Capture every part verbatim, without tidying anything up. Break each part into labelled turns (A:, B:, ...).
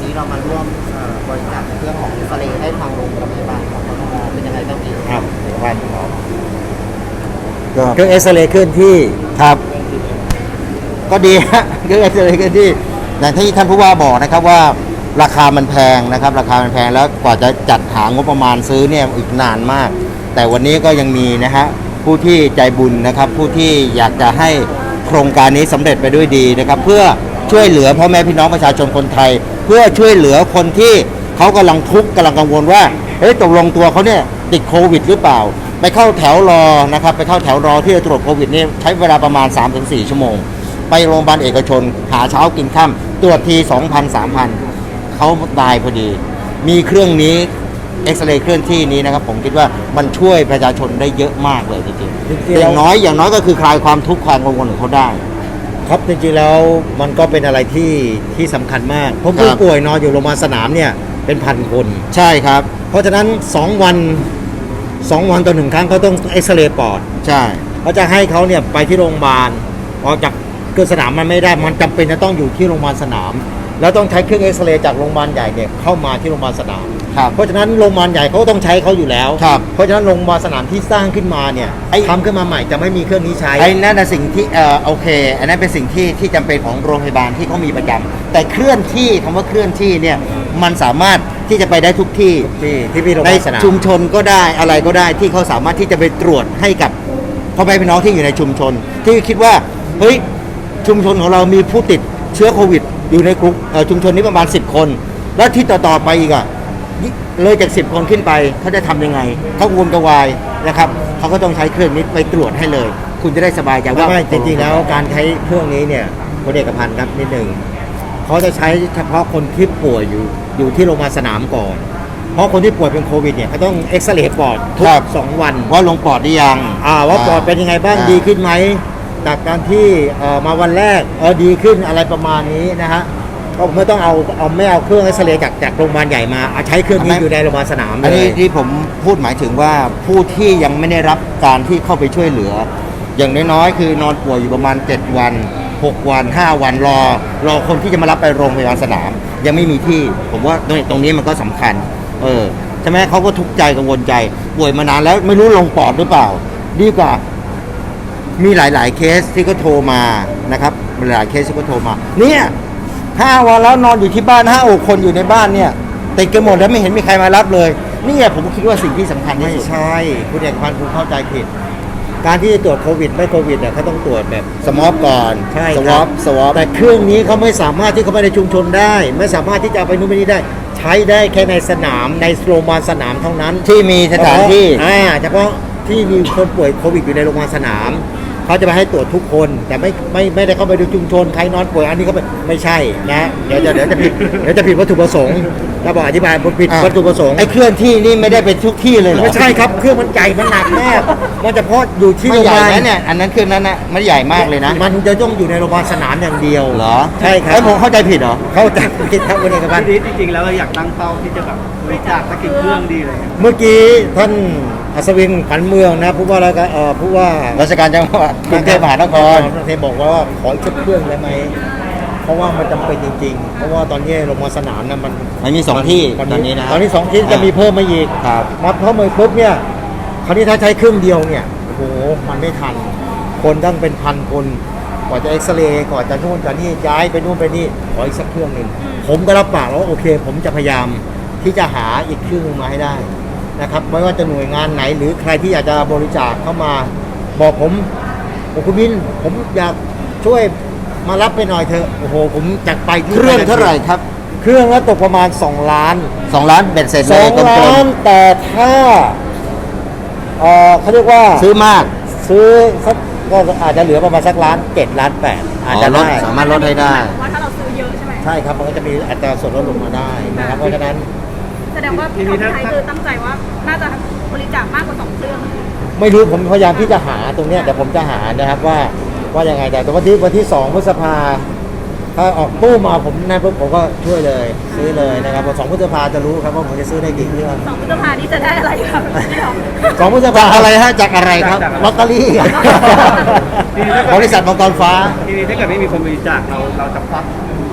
A: นี้เรามาร่วมบริจาคเครื่องของอิสราเอลให้ทางโรงพยาบาลของกทมเป็นยังไงบ้างพี่
B: ครับเดี๋ยวว่าคุณหมอเครื่องเอ็กซเรย์เคลื่อนที่ครับก็ดีฮะเครื่องเอ็กซเรย์เคลื่อนที่อย่างที่ท่านผู้ว่าบอกนะครับว่าราคามันแพงนะครับราคามันแพงแล้วกว่าจะจัดหางบประมาณซื้อเนี่ยอีกนานมากแต่วันนี้ก็ยังมีนะฮะผู้ที่ใจบุญนะครับผู้ที่อยากจะให้โครงการนี้สำเร็จไปด้วยดีนะครับเพื่อช่วยเหลือพ่อแม่พี่น้องประชาชนคนไทยเพื่อช่วยเหลือคนที่เขากำลังทุกข์กำลังกังวลว่าเฮ้ยตกลงตัวเขาเนี่ยติดโควิดหรือเปล่าไปเข้าแถวรอนะครับไปเข้าแถวรอที่จะตรวจโควิดนี่ใช้เวลาประมาณ สามถึงสี่ ชั่วโมงไปโรงพยาบาลเอกชนหาเช้ากินค่ำตรวจที สองพัน สามพัน เขาตายพอดีมีเครื่องนี้เอ็กซเรย์เคลื่อนที่นี้นะครับผมคิดว่ามันช่วยประชาชนได้เยอะมากเลยจริงๆอย่างน้อยอย่างน้อยก็คือคลายความทุกข์ความกังวลของเขาได้
C: ครับจริงๆแล้วมันก็เป็นอะไรที่ที่สำคัญมากเพราะผู้ป่วยนอนอยู่โรงพยาบาลสนามเนี่ยเป็นพันคน
B: ใช่ครับ
C: เพราะฉะนั้นสองวันสองวันต่อหนึ่งครั้งเขาต้องเอ็กซเรย์ปอด
B: ใช่
C: เขาจะให้เขาเนี่ยไปที่โรงพยาบาลออกจากเครื่องสนามมันไม่ได้มันจำเป็นจะต้องอยู่ที่โรงพยาบาลสนามแล้วต้องใช้เครื่องเอ็กซเรย์จากโรงพยาบาลใหญ่เนี่ยเข้ามาที่โรงพยาบาลสนามเพราะฉะนั้นโรงพยาบาลใหญ่เขาต้องใช้เขาอยู่แล้วเพราะฉะนั้นโรงพยาบาลสนามที่สร้างขึ้นมาเนี่ยทำขึ้นมาใหม่จะไม่มีเครื่องนี้ใช้
B: ไอ้นั่นน่ะสิ่งที่เออโอเคอันนั้นเป็นสิ่งที่ที่จำเป็นของโรงพยาบาลที่เขามีประจำแต่เคลื่อนที่คำว่าเคลื่อนที่เนี่ยมันสามารถที่จะไปได้ทุกที่
C: ที่ที่มีโรงพยาบาลสนาม
B: ในชุมชนก็ได้อะไรก็ได้ที่เขาสามารถที่จะไปตรวจให้กับพ่อแม่พี่น้องที่อยู่ในชุมชนที่คิดว่าเฮ้ยชุมชนของเรามีผู้ติดเชื้อโควิดอยู่ในกลุ่มชุมชนนี้ประมาณสิบคนแล้วที่ต่อๆไปอีกอ่ะเลยจากสิบคนขึ้นไปเขาจะทำยังไงเขาวนกระวายนะครับเขาก็ต้องใช้เครื่องนี้ไปตรวจให้เลยคุณจะได้สบายใจว่า
C: ไม่จริงๆแล้วการใช้เครื่องนี้เนี่ยคุณเอกพันธ์ครับนิดหนึ่งเขาจะใช้เฉพาะคนที่ป่วยอยู่อยู่ที่โรงพยาบาลสนามก่อนเพราะคนที่ป่วยเป็นโควิดเนี่ยเขาต้องเอ็กซเรย์ปอดทุกสองวัน
B: ว่าลงปอดได้ยัง
C: อ่าว่าปอดเป็นยังไงบ้างดีขึ้นไหมจากการที่มาวันแรกเออดีขึ้นอะไรประมาณนี้นะฮะก็ไม่ต้องเอาเอาไม่เอาเครื่องเอ็กซเรย์จากจากโรงพยาบาลใหญ่มาใช้เครื่องนี้อยู่ในโรงพยาบาลสนาม
B: อันนี้ที่ผมพูดหมายถึงว่าผู้ที่ยังไม่ได้รับการที่เข้าไปช่วยเหลืออย่างน้อยๆคือนอนป่วยอยู่ประมาณเจ็ดวันหกวันห้าวันรอรอคนที่จะมารับไปโรงพยาบาลสนามยังไม่มีที่ผมว่าตรงนี้มันก็สำคัญเออใช่ไหมเขาก็ทุกข์ใจกังวลใจป่วยมานานแล้วไม่รู้ลงปอดหรือเปล่าดีกว่ามีหลายๆเคสที่ก็โทรมานะครับหลายเคสที่ก็โทรมาเนี่ยห้าวันแล้วนอนอยู่ที่บ้านห้าอกคนอยู่ในบ้านเนี่ยติดกันหมดแล้วไม่เห็นมีใครมารับเลยนี่ผมคิดว่าสิ่งที่สำคัญที่สุด
C: ไม่ใช่คุณเอกพันธ์คุณเข้าใจผิดการที่จะตรวจโควิดไม่โควิดเนี่ยเขาต้องตรวจแบบ
B: สมอบก่อน
C: ใช่
B: สวอปสวอป
C: แต่เครื่องนี้เขาไม่สามารถที่เขาไปในชุมชนได้ไม่สามารถที่จะเอาไปนู่นไปนี่ได้ใช้ได้แค่ในสนามในโรงพยาบาลสนามเท่านั้น
B: ที่มีสถานที่
C: อ่าเฉพาะที่มีคนป่วยโควิดอยู่ในโรงพยาบาลสนามเขาจะไปให้ตรวจทุกคนแต่ไม่ไม่ไม่ได้เข้าไปดูชุมชนใครนอนป่วยอันนี้เขาไม่ใช่นะเดี๋ยวจะเดี๋ยวจะผิดเดี๋ยวจะผิดวัตถุประสงค์ถ้าบอกอธิบายผิดวัตถุประสงค์
B: ไอ้เคลื่อนที่นี่ไม่ได้เป็นทุกที่เลยเหรอ
C: ไม่ใช่ครับเครื่องมันใหญ่มันหนักมากมันเฉพาะอยู่ที่โรงพยาบาล
B: เนี่ยอันนั้นเครื่องนั้นนะมันใหญ่มากเลยนะ
C: มันจะต้องอยู่ในโรงพยาบาลสนามอย่างเดียว
B: เหรอ
C: ใช่ครับ
B: ไอ้ผมเข้าใจผิดเหรอ
C: เข้าใจผิดครับคุณเอกพันธ์
A: จริงๆแล้วอยากตั้งเป้าที่จะแบบบริจาคสักกี่เครื่องดีเลย
C: เมื่อกี้ท่านอัศวินขวัญเมืองนะผู้ว่าราชการเอ่อผู้ว่า
B: ราชการจังหวัดกรุงเทพมหานคร
C: เทพบอกว่าขออีกเครื่องได้ไหมเพราะว่ามันจำเป็นจริงๆเพราะว่าตอนนี้โรงพยาบาลสนามนะมัน
B: มันมีสองที่ตอนนี้นะ
C: ตอนนี้สองที่จะมีเพิ่มมาอีกมาเพิ่มมาปุ๊บเนี่ยคราวนี้ถ้าใช้เครื่องเดียวเนี่ยโอ้โหมันไม่ทันคนตั้งเป็นพันคนกว่าจะเอ็กซเรย์ก่อนจะนู่นจะนี่ย้ายไปนู่นไปนี่ขออีกสักเครื่องหนึ่งผมก็รับปากแล้วโอเคผมจะพยายามที่จะหาอีกเครื่องมาให้ได้นะครับไม่ว่าจะหน่วยงานไหนหรือใครที่อยากจะบริจาคเข้ามาบอกผมโอ้คุณวินผมอยากช่วยมารับไปหน่อยเถอะโอ้โหผมจัดไป
B: เครื่องเท่าไหร่ครับ
C: เครื่องแล้วตกประมาณสองล้าน
B: สองล้านเบ็ดเสร็จเลย
C: สองล้านแต่ถ้าเออเขาเรียกว่า
B: ซื้อมาก
C: ซื้อสักก็อาจจะเหลือประมาณสักล้านเจ็ดล้านแปดอาจจะ
B: ลดสามารถลดให้ได้
D: ว่าถ้าเราซื้อเยอะใช่ไหม
C: ใช่ครับมันก็จะมีอัตราส่วนลดลงมาได้นะครับเพราะฉะนั้น
D: แสดงว่าพี่ทองไทยคือตั้งใจว่าน่าจะบริจาคมากกว่าสองเครื่อง
C: ไม่รู้ผมพยายามที่จะหาตรงเนี้ยแต่ผมจะหานะครับว่าว่ายังไงแต่วันที่วันที่สองพฤษภาถ้าออกตู้มาผมนั่นปุ๊บผมก็ช่วยเลยซื้อเลยนะครับพอสองพฤษภาจะรู้ครับว่าผมจะซื้อได้กี่เครื่อง
D: สองพฤษภานี้จะได้อะไรครับ
C: สองพฤษภา
B: อะไรฮะจากอะไรครับ
C: ลอตเตอรี่บริษัทมังกรฟ้า
A: ทีนี้ถ้าเกิดไม่มีคนบริจาคเราเราจะควักก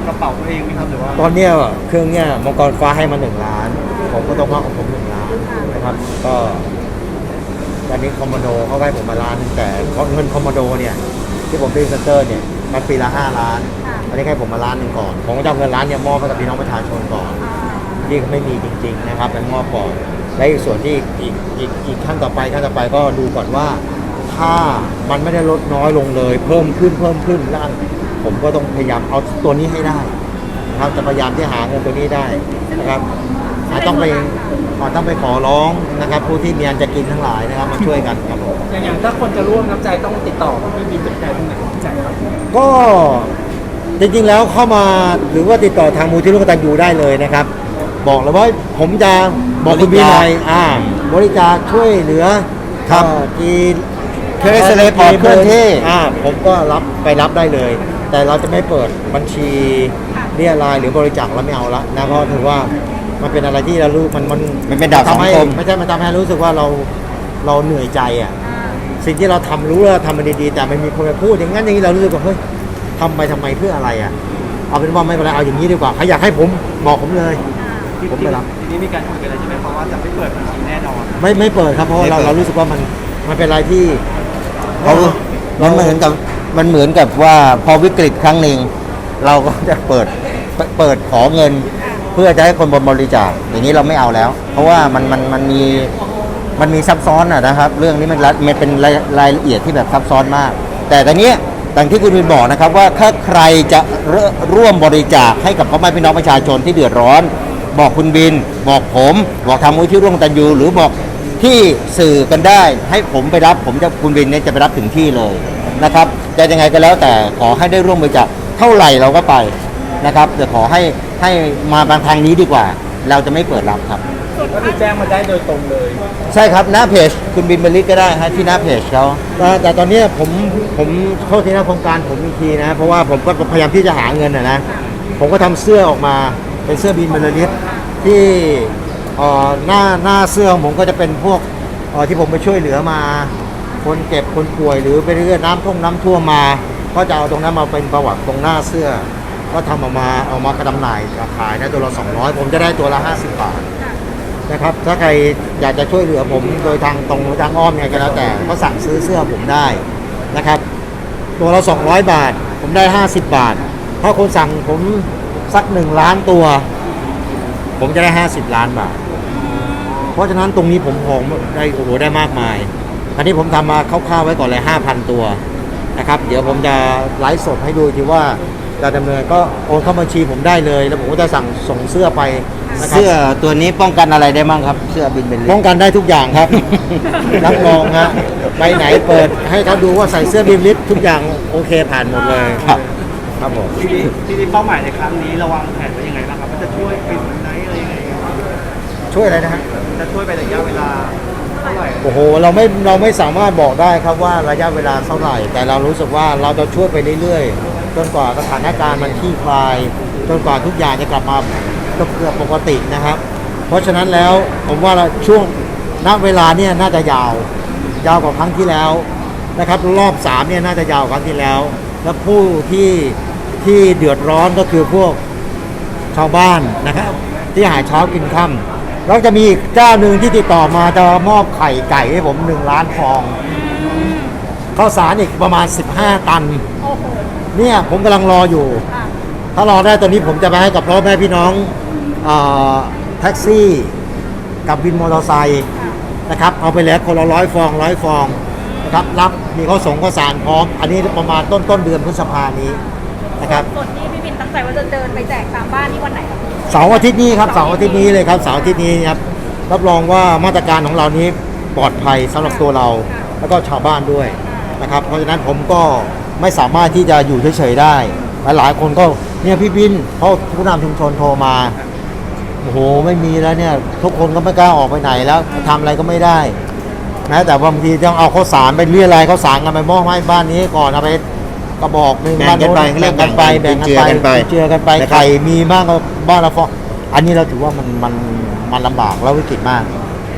A: ระเป๋าตัวเองไหมครับหรือว่า
C: ตอนเนี้ยเครื่องเนี้ยมังกรฟ้าให้มาหนึ่งล้าน ผมก็ต้องว่าของผมหนึ่งล้านนะครับ ก็ตอนนี้คอมมานโดเขาให้ผมมาล้านหนึ่งแต่เงินคอมมานโดเนี่ยที่ผมเป็นเซนเตอร์เนี่ยมันปีละห้าล้าน อันนี้ให้ผมมาล้านหนึ่งก่อน ผมก็จะเอาเงินล้านเนี่ยมอบให้กับพี่น้องประชาชนก่อน ที่ไม่มีจริงๆนะครับเป็นมอบก่อนและอีกส่วนที่อีกอีกอีกขั้นต่อไปขั้นต่อไปก็ดูก่อนว่า ถ้ามันไม่ได้ลดน้อยลงเลย เพิ่มขึ้นเพิ่มขึ้นแล้วผมก็ต้องพยายามเอาตัวนี้ให้ได้นะครับจะพยายามที่หาเงินตัวนี้ได้นะครับอาจต้องไปอาจต้องไปขอร้องนะครับ ผู้ที่มีอันจะกินทั้งหลายนะครับมาช่วยกันครับผม
A: อย่างอย่างถ้าคนจะร่วมน้ำใจต้องติดต่อพี่บินเป็นใจตรงไหนใจครับ
C: ก็จริงๆแล้วเข้ามาหรือว่าติดต่อทางมูลที่ร่วมกตัญญูได้เลยนะครับ บอกเลยว่าผมจะบอกคุณพี่หน่อยอ่าบริจาคช่วยเหลือ
B: ครับ
C: เอ่อที่
B: เครื่องเอ็กซเรย์ปอดเคลื่อนที่
C: อ่าผมก็รับไปรับได้เลย แต่เราจะไม่เปิดบัญชีเรียรายหรือบริจาคเราไม่เอาละนะเพราะถือว่ามันเป็นอะไรที่เรารู้มันมัน
B: มันเป็นดาบสอง
C: ทำให้
B: คม
C: ไม่ใช่มันทำให้รู้สึกว่าเราเราเหนื่อยใจอ่ะ สิ่งที่เราทำรู้ว่าทำมันดีๆแต่มันมีคนมาพูดอย่างนั้นอย่างนี้เรารู้สึกว่าเฮ้ยทำไปทำไมเพื่ออะไรอ่ะเอาเป็นว่าไม่เป็นไรเอาอย่างนี้ดีกว่าใครอยากให้ผมบอกผมเลย ผมไม่รับ
A: ทีนี้มีการคุยกันเลยใช่ไหมเพราะว่าจะไม่เปิดบัญชีแน่นอน
C: ไม่ไม่เปิดครับเพราะว่าเรา
B: ไม่เปิด
C: เรารู้สึกว่ามันมันเป็นอะไรที่
B: เขามันเหมือนกับมันเหมือนกับว่าพอวิกฤตครั้งหนึ่งเราก็จะเปิดเปิดขอเงิน เพื่อจะให้คนบริจาคอย่างนี้เราไม่เอาแล้ว เพราะว่ามันมันมันมีมันมีซับซ้อนอะนะครับ เรื่องนี้มันละมันเป็นรายรายละเอียดที่แบบซับซ้อนมาก แต่ตอนนี้ดังที่คุณวินบอกนะครับว่าถ้าใครจะเร่ร่วมบริจาคให้กับพ่อแม่พี่น้องประชาชนที่เดือดร้อน บอกคุณบิน บอกผม บอกทางมูลที่ร่วมกตัญญูหรือบอกที่สื่อกันได้ ให้ผมไปรับผมจะคุณบินเนี่ยจะไปรับถึงที่เลยนะครับจะยังไงก็แล้วแต่ขอให้ได้ร่วมบริจาคเท่าไหร่เราก็ไปนะครับแต่ขอให้ให้มาบางทางนี้ดีกว่า เราจะไม่เปิดรับครับ
A: ก็คือแจ้งมาได้โดยตรงเลย
B: ใช่ครับหน้าเพจคุณบินบรรลิตก็ได้ฮะที่หน้าเพจเขา
C: แต่แต่ตอนเนี้ยผมผมเข้าที่หน้าโครงการผมอีกทีนะ เพราะว่าผมก็พยายามที่จะหาเงินนะนะผมก็ทำเสื้อออกมาเป็นเสื้อบินบรรลิตที่เอ่อหน้าหน้าเสื้อของผมก็จะเป็นพวกเอ่อที่ผมไปช่วยเหลือมา คนเก็บคนป่วยหรือไปเรื่อยน้ำท่วมน้ำท่วมมา ก็จะเอาตรงนั้นมาเป็นประวัติตรงหน้าเสื้อ ก็ทำออกมาเอามากระดำหน่ายขายได้ตัวละสองร้อยผมจะได้ตัวละห้าสิบบาท นะครับถ้าใครอยากจะช่วยเหลือผมโดยทางตรงหรือทางอ้อมเนี่ยก็แล้วแต่ก็สั่งซื้อเสื้อผมได้นะครับ ตัวละสองร้อยบาท ผมได้ห้าสิบบาท ถ้าคนสั่งผมสักหนึ่งล้านตัว ผมจะได้ห้าสิบล้านบาท เพราะฉะนั้นตรงนี้ผมของได้โอ้โหได้มากมายอันนี้ผมทำมาคร่าวๆไว้ก่อนเลยห้าพันตัวนะครับเดี๋ยวผมจะไลฟ์สดให้ดูทีว่าจะดำเนินก็โอนเข้าบัญชีผมได้เลย แล้วผมก็จะสั่งส่งเสื้อไปนะครับ
B: เสื้อตัวนี้ป้องกันอะไรได้บ้างครับ เสื้อบินบรรลิ
C: ป้
B: ต
C: องกันได้ทุกอย่างครับ รับรองฮะไปไหนเปิดให้เขาดูว่าใส่เสื้อบิมลิฟทุกอย่างโอเคผ่านหมดเลย
B: ครับ
C: ครับผม
A: ทีนี้ทีนี้เป้าหมายในครั้งนี้เราวางแผนไว้ยังไงบ้างครับว่าจะช่วยปิดไหนอะไรยังไงครับ
C: ช่วยอะไรนะฮะ
A: จะช่วยไประยะเวลาเท่าไหร่
C: โอ้โหเราไม่เราไม่สามารถบอกได้ครับว่าระยะเวลาเท่าไหร่ แต่เรารู้สึกว่าเราจะช่วยไปเรื่อยๆจนกว่าสถานการณ์มันคลี่คลายจนกว่าทุกอย่างจะกลับมาเกือบปกตินะครับ เพราะฉะนั้นแล้วผมว่าเราช่วงณเวลาเนี่ยน่าจะยาวยาวกว่าครั้งที่แล้วนะครับรอบสามเนี่ยน่าจะยาวกว่าครั้งที่แล้ว และผู้ที่ที่เดือดร้อนก็คือพวกชาวบ้านนะครับที่หาเช้ากินค่ำแล้วจะมีอีกเจ้าหนึ่งที่ติดต่อมาจะมอบไข่ไก่ให้ผมหนึ่งล้านฟองข้าวสารอีกประมาณสิบห้าตัน
D: โอ้โห
C: เนี่ยผมกำลังรออยู่
D: ค่ะ
C: ถ้ารอได้ตอนนี้ผมจะไปให้กับพ่อแม่พี่น้องเอ่อแท็กซี่กับวินมอเตอร์ไซค์นะครับเอาไปแล้วคนละร้อยฟองร้อยฟองนะครับรับมีข้าวสงข้าวสารพร้อม อันนี้ประมาณต้นต้นเดือนพฤษภานี้นะครับ
D: ส่วนที่พี่บินตั้งใจว่าจะเดินไปแจกตามบ้านนี่วันไหนครับ
C: เสาร์อาทิตย์นี้ครับเสาร์อาทิตย์นี้เลยครับเสาร์อาทิตย์นี้ครับรับรองว่ามาตรการของเรานี้ปลอดภัยสำหรับตัวเรา แล้วก็ชาวบ้านด้วยนะครับเพราะฉะนั้นผมก็ไม่สามารถที่จะอยู่เฉยๆได้หลายๆคนก็เนี่ยพี่บินเพราะผู้นำชุมชนโทรมาโอ้โหไม่มีแล้วเนี่ยทุกคนก็ไม่กล้าออกไปไหนแล้วทำอะไรก็ไม่ได้แม้แต่บางทีต้องเอาข้าวสารไปเรียอะไรยข้าวสารกันไปมอบให้บ้านนี้ก่อนเอาไปกระบอกหนึ่ง
B: แบ่งกันไป
C: บ้าโแบ่งกันไปแบ่งกัน
B: เจือกัน
C: ไป
B: ไป
C: เจือกันไป
B: นะครับ
C: ไข่มีบ้างก็บ้านละฟองอันนี้เราถือว่ามันมันมันลำบากแล้ววิกฤตมาก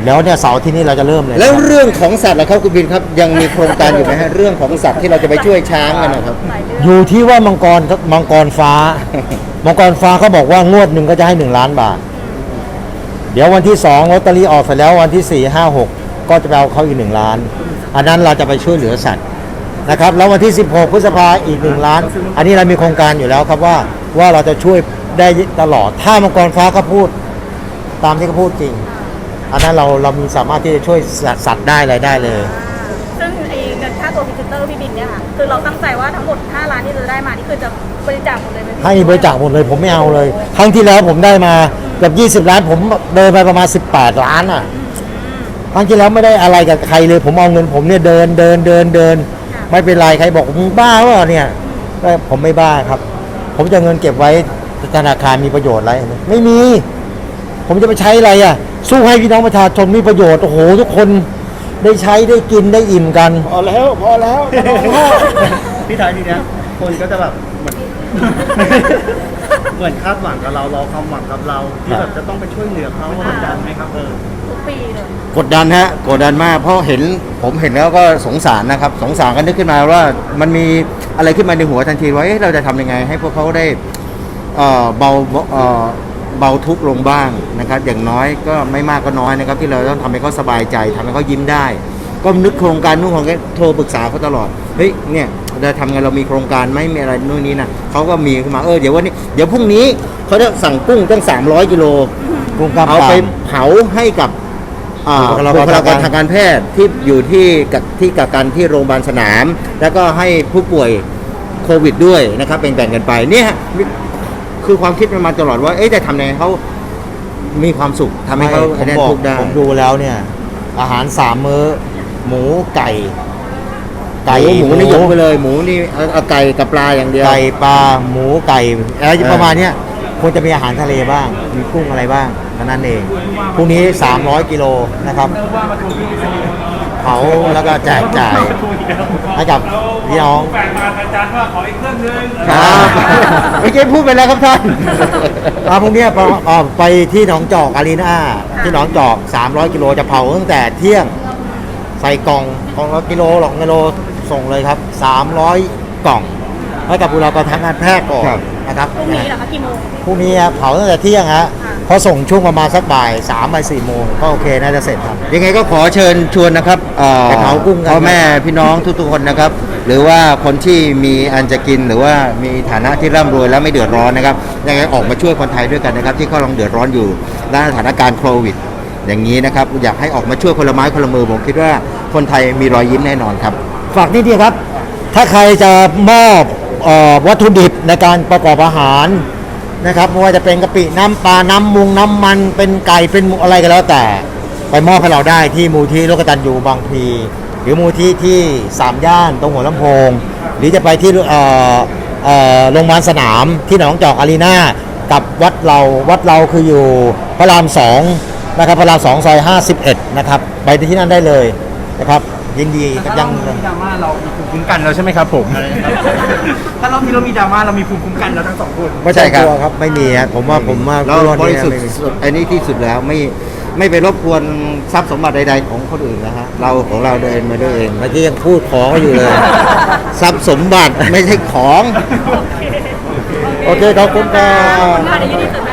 C: แล้วเนี่ยเสาร์ที่นี่เราจะเริ่มเลย
B: แล้ว
C: นะครับ
B: เรื่องของสัตว์ล่ะครับคุณบินครับยังมีโครงการอยู่ไหมฮะเรื่องของสัตว์ที่เราจะไปช่วยช้างกันนะครับ
D: หลายเรื่อง
C: อยู่ที่ว่ามังกรมังกรฟ้า มังกรฟ้าเขาบอกว่างวดหนึ่งก็จะให้หนึ่งล้านบาท เดี๋ยววันที่สองลอตเตอรี่ออกเสร็จแล้ววันที่สี่ห้าหกก็จะไปเอาเขาอีกหนึ่งล้าน อันนั้นเราจะไปช่วยเหลือสัตว์นะครับ แล้ววันที่สิบหกพฤษภาอีกหนึ่งล้าน อันนี้เรามีโครงการอยู่แล้วครับว่าว่าเราจะช่วยได้ตลอด ถ้ามังกรฟ้าเขาพูดตามที่เขาพูดจริง อันนั้นเราเรามีสามารถที่จะช่วยสัตว์ได้อะไรได้เลย
D: ซึ่งไอ้เงินค่าตัวพรีเซนเตอร์พี่บินเนี่ยค่ะคือเราตั้งใจว่าทั้งหมดห้าล้านที่จะได้มานี่คือจะบริจาคหมดเลยไหมพี่
C: ให้บริจาคหมดเลยผมไม่เอาเลย ครั้งที่แล้วผมได้มาเกือบยี่สิบล้าน ผมเดินไปประมาณสิบแปดล้านอ่ะครั้งที่แล้วไม่ได้อะไรกับใครเลย ผมเอาเงินผมเนี่ยเดินเดินเดินเดิน ไม่เป็นไรใครบอกมึงบ้าวะเนี่ยก็ผมไม่บ้าครับ ผมจะเอาเงินเก็บไว้ธนาคารมีประโยชน์อะไรไม่มี ผมจะไปใช้อะไรอ่ะ สู้ให้พี่น้องประชาชนมีประโยชน์โอ้โหทุกคนได้ใช้ได้กินได้อิ่มกัน
B: พอแล้วพอแล้ว
E: พี่ท้ายทีเนี้ยคนก็จะแบบเหมือน เหมือนคาดหวังกับเรารอความหวังกับเรา ที่แบบจะต้องไปช่วยเหลือเขากดดันไหมครับเออ
D: ทุกปีเลย
B: กดดันฮะกดดันมากเพราะเห็นผมเห็นแล้วก็สงสารนะครับ สงสารก็นึกขึ้นมาว่ามันมีอะไรขึ้นมาในหัวทันทีว่าเอ๊ะเราจะทำยังไง ให้พวกเขาได้เอ่อเบาเอ่อเบาทุกข์ลงบ้างนะครับ อย่างน้อยก็ไม่มากก็น้อยนะครับ ที่เราต้องทำให้เขาสบายใจทำให้เขายิ้มได้ ก็นึกโครงการนู่นของแกโทรปรึกษาเขาตลอดเฮ้ยเนี่ยเราทำไงเรามีโครงการไหมมีอะไรนู่นนี่นะเขาก็มีขึ้นมาเออเดี๋ยววันนี้เดี๋ยวพรุ่งนี้เขาจะสั่งกุ้งตั้งสามร้อยกิโล
C: กุ้งกล้าม
B: เอา
C: กราม
B: ไปเผาให้กับอ่า
C: บุ
B: บุ
C: ค
B: ค
C: ลา
B: ลาก
C: ร
B: รทางการแพทย์ที่อยู่ที่กับที่กักกันที่โรงพยาบาลสนาม แล้วก็ให้ผู้ป่วยโควิดด้วยนะครับแบ่งๆกันไปเนี่ยฮะคือความคิดมันมาตลอดว่าเอ๊ะจะทำยังไงให้เขามีความสุขทำให้เขา
C: ผม
B: ได้
C: บอก
B: ทุกข์ได้
C: ผมดูแล้วเนี่ย อาหารสามมื้อ หมูไก่
B: ไก่หมูนี่ยกไปเลยหมูนี่เอาเอาไก่กับปลาอย่างเดียว
C: ไก่ปลาหมูไก่อะไร
B: เออ
C: ประมาณเนี้ยควรจะมีอาหารทะเลบ้าง มีกุ้งอะไรบ้างเท่านั้นเองพรุ่งนี้สามร้อยกิโลนะครับเผาแล้วก็แจกจ่ายให้กับพี่น้อง
E: แฟนมาอาจารย์ว่าขออีกเครื่องนึง
B: ครับเมื่อกี้พูดไปแล้วครับท่าน
C: อ่าพรุ่งนี้ไปอ่าไปที่หนองจอกอารีนาที่หนองจอกสามร้อยกิโลจะเผาตั้งแต่เที่ยงใส่กล่องกล่องละกิโลหลอกกิโลส่งเลยครับสามร้อยกล่องให้กับบุคลากรทางการแพทย์ก่อน
B: ครับ
C: นะครับ
D: พรุ่งนี้เหรอคะกี่โมง
C: พรุ่งนี้เผาตั้งแต่เที่ยงฮะ
D: ค่ะ
C: พอส่งช่วงประมาณสักบ่ายสามบ่ายสี่โมงก็โอเคน่าจะเสร็จครับ
B: ยังไงก็ขอเชิญชวนนะครับเอ่อ
C: ไปเผากุ้งกัน
B: พ่อแม่พี่น้องทุกๆคนนะครับ หรือว่าคนที่มีอันจะกินหรือว่ามีฐานะที่ร่ำรวยแล้วไม่เดือดร้อนนะครับยังไงออกมาช่วยคนไทยด้วยกันนะครับ ที่เขากำลังเดือดร้อนอยู่ในสถานการณ์โควิด อย่างนี้นะครับ อยากให้ออกมาช่วยคนละไม้คนละมือผมคิดว่าคนไทยมีรอยยิ้มแน่นอนครับ
C: ฝากนิดเดียวครับ ถ้าใครจะมอบเอ่อวัตถุดิบในการประกอบอาหารนะครับไม่ว่าจะเป็นกะปิน้ำปลา น้ำมุงน้ำมัน เป็นไก่ เป็นอะไรก็แล้วแต่ ไปมอบให้เราได้ที่มูลที่โลกตัญญูบางพลีหรือมูลที่ที่สามย่านตรงหัวลำโพง หรือจะไปที่เอ่อเอ่อโรงพยาบาลสนามที่หนองจอกอารีนากับวัดเราวัดเราคืออยู่พระรามสองนะครับพระรามสองซอยห้าสิบเอ็ดนะครับไปที่นั่นได้เลยนะครับยินดีกับยัง
E: ถ้าเรามีดราม่าเรามีภูมิคุ้มกันแล้วใช่ไหมครับผม ถ้ารอบนี้เรามีดราม่าเรามีภูมิคุ้มกันแล้วทั้งสองคน
C: ไม่ใช่ครับครับไม่มีฮะผมว่าผมว่า
B: เรา
C: เรื่อง
B: บ
C: นี้
B: ริสุทธิ์
C: ไม่มี
B: สุดอันนี้ที่สุดแล้วไม่ไม่ไปรบกวนทรัพย์สมบัติใด ๆ ของคนอื่นนะฮะเราของเราเดินมาด้วยเอง
C: เมื่อกี้ยังพูดขออยู่เลย
B: ทรัพย์สมบัติไม่ใช่ของ
C: โอเคขอบคุณครั
D: ขอบ ณค่ะเดี๋ยวยินดีเสริม